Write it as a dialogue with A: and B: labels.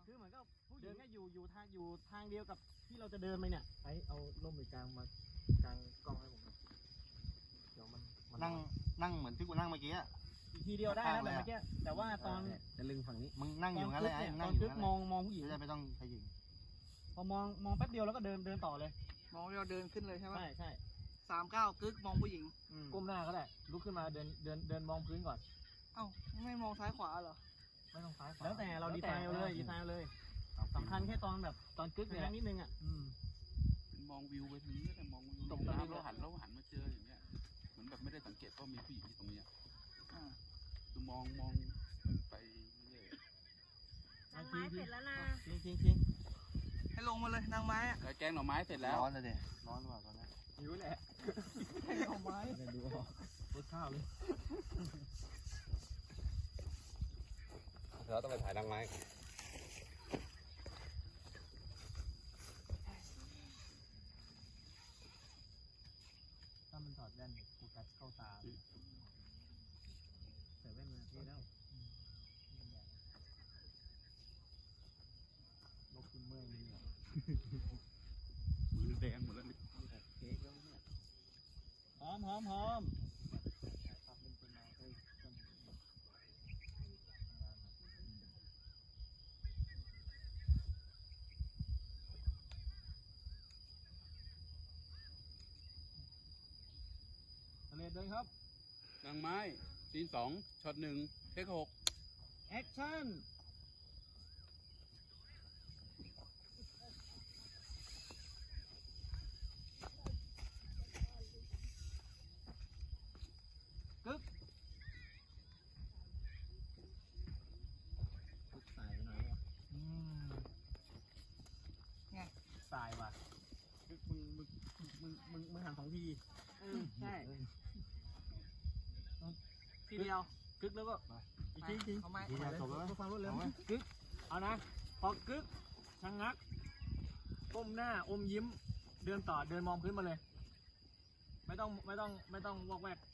A: คือเหมือนกับผู้หญิงก็อยู่ทางเดียวกับที่เราจะเดินไปเนี่ยเอาล่มไปกลางมากลางกล้องให้ผมเดี๋ยวมัน
B: นั่งเหมือนที่กูนั่งเมื่อกี้
A: อีกทีเดียวได้แล้วแบบเมื่อกี้แต่ว่าตอน
C: จะลึงฝั่งนี้
B: มึงนั่งอยู่งั้นเลยไอ้นั่งอยู่งั้น
A: มองผู้หญิง
B: ไม่ต้องขยิง
A: พอมองแป๊บเดียวแล้วก็เดินต่อเลย
D: มองเราเดินขึ้นเลยใช่ไหม
A: ใช่
D: 39 กึกมองผู้หญิง
A: ก้มหน้าก็ได้ลุกขึ้นมาเดินมองพื้นก่อน
D: เอ้าไม่มองซ้ายขวาเหรอ
A: ไม่ต้องซ้ายขวาแล้วแต่เราดีไซน์เลยสำคัญแค่ตอนกึกเนี่ยนิดนึง
E: มองวิวไปทางนี้แต่มองวิวตรงนี้เราหันมาเจออย่างเงี้ยเหมือนแบบไม่ได้สังเกตว่ามีผู้หญิงที่ตรงนี้คือมองไปเรื่อย
F: นางไม้เสร็จแล้วนะ
A: จริง
D: ให้ลงมาเลยนางไม้อะ
E: แกงหน่อไม้เสร็จแล้ว
B: ร้อนเลยดิร้อนกว่าตอนนี้
A: หิวแหละ
D: แกงหน่อไม้
A: ดูรสข้าวเลย
C: เราต้องไปถ่ายนางไม้
A: ถ้ามันถอดแว่นโฟกัสเข้าตาใส่แว่นมาเท่แล้วนกขึ้นเมื่อยเลย
E: มือแดงหมดแล้ว
A: เค้กแล้วเนี่ยหอมเลยด้วยครับ
E: นางไม้ซีน2 ช็อต 1 เทค 6
A: แอคชั่นกึ๊กสายไปหน่อยวะ
D: ไง
A: สายว่ะกึ๊กมึงหัน2 ที
D: ใช่ทีเดียว
A: กึ๊กแล้วก็จริง
D: เอาไม้
B: จบแล้ว
A: ฟังรถเลยกึ๊กเอานะพอกึ๊กชะงักก้มหน้าอมยิ้มเดินต่อเดินมองพื้นมาเลยไม่ต้องวอกแวก